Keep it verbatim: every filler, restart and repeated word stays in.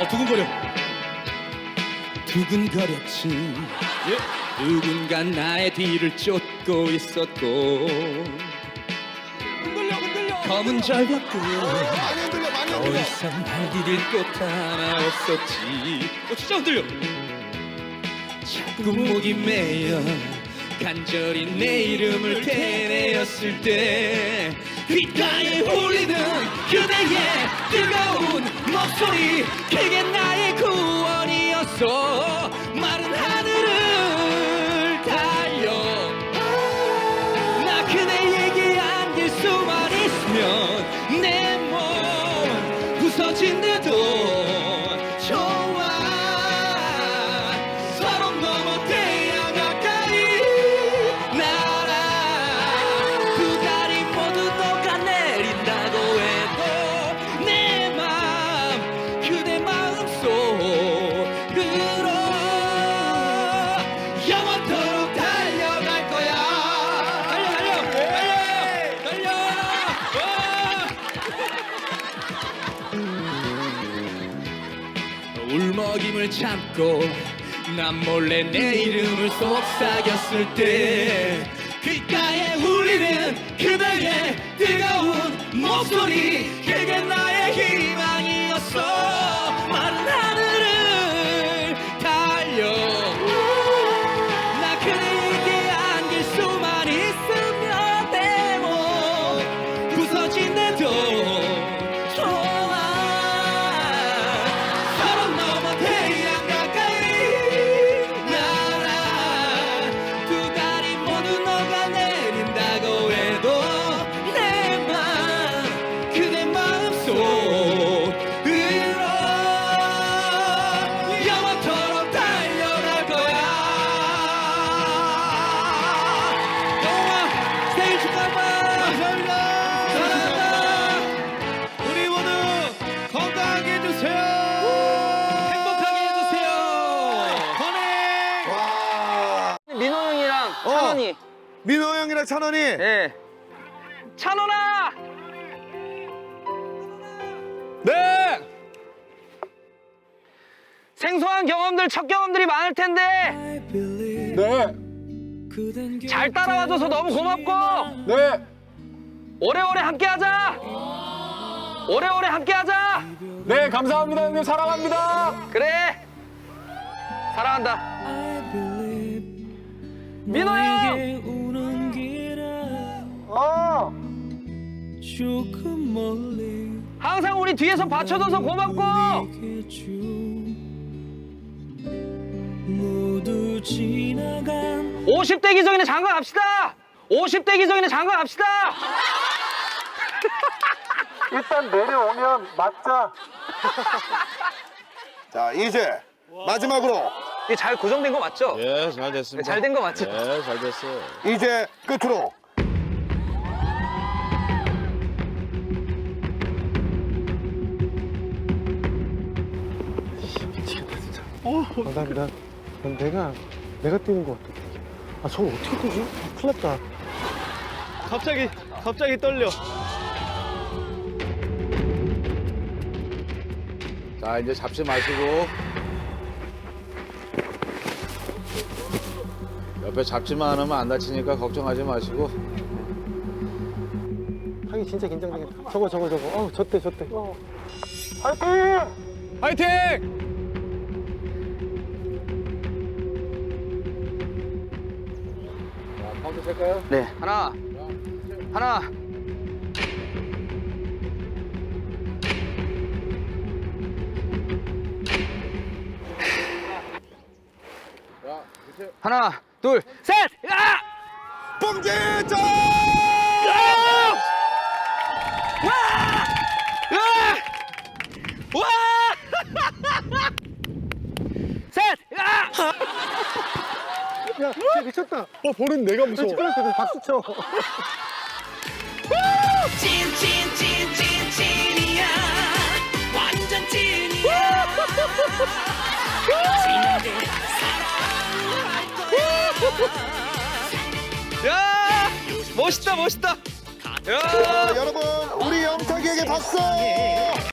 어, 두근거려. 두근거렸지. 예. 누군가 나의 뒤를 쫓고 있었고 흔들려, 흔들려. 검은 절벽 끝 많이 흔들려, 많이 더 흔들려. 이상 발 디딜 곳 하나 없었지. 어, 진짜 흔들려. 자꾸 목이 메여 간절히 내 이름을 되뇌었을 때 귓가에 울리는 그대의 뜨거운 목소리, 그게 나의 구원이었어. 마른 하늘을 달려 나 그대에게 안길 수만 있으면 내 몸 부서진대도 좋아. 서로 넘어 태양 가까이 날아 두 다리 모두 녹아내린다고 해도 내 맘 그대 마음속으로 영원토록 달려갈 거야. 달려 달려 달려 달려. 울먹임을 참고 난 몰래 내 이름을 속삭였을 때 귓가에 울리는 그대의 뜨거운 목소리, 그게 나의 희망이었어. 마른 하늘을 달려 나 그대에게 안길 수만 있으면 내 몸 부서진대도 좋아. 서로 넘어 태양 가까이 날아 두 다리 모두 녹아내린다고 해도 내 맘 그대 마음속으로 영원토록 달려갈 거야. 영원아 생일 축하합니다. 감사합니다. 사랑한다. 우리 모두 건강하게 해주세요. 행복하게 해주세요. 건행. 와. 민호 형이랑 어. 찬원이. 민호 형이랑 찬원이. 예. 찬원아! 네. 생소한 경험들, 첫 경험들이 많을 텐데 네. 잘 따라와줘서 너무 고맙고 네. 오래오래 함께하자. 오래오래 함께하자. 네, 감사합니다, 형님. 사랑합니다. 그래. 사랑한다. 민호 형. 어. 항상 우리 뒤에서 받쳐줘서 고맙고. 오십 대 기적이네 장가 갑시다. 오십 대 기적이네 장가 갑시다. 일단 내려오면 맞자. 자, 이제 마지막으로 이게 잘 고정된 거 맞죠? 예, 잘 됐습니다. 잘 된 거 맞죠? 예, 잘 됐어요. 이제 끝으로 감사합니다. 난 내가 내가 뛰는 것 같아. 아 저거 어떻게 뛰지? 큰일 났다. 갑자기, 갑자기 떨려. 자, 이제 잡지 마시고. 옆에 잡지만 않으면 안 다치니까 걱정하지 마시고. 하기 진짜 긴장되겠다. 저거 저거 저거. 어 졌대 졌대. 어. 화이팅! 화이팅! 자, 카운트 셀까요? 네. 하나. 하나. 자, 주세요. 하나, 둘, 셋! 야! 봉제자! 와! 와! 셋! 야! 야 진짜 미쳤다. 어 볼은 내가 무서워. 시끄럽거든. 박수 쳐. 찐찐찐찐찐이야 완전 찐이야. 찐인데 야! 멋있다, 멋있다. 야! 자, 여러분, 우리 영탁이에게 박수!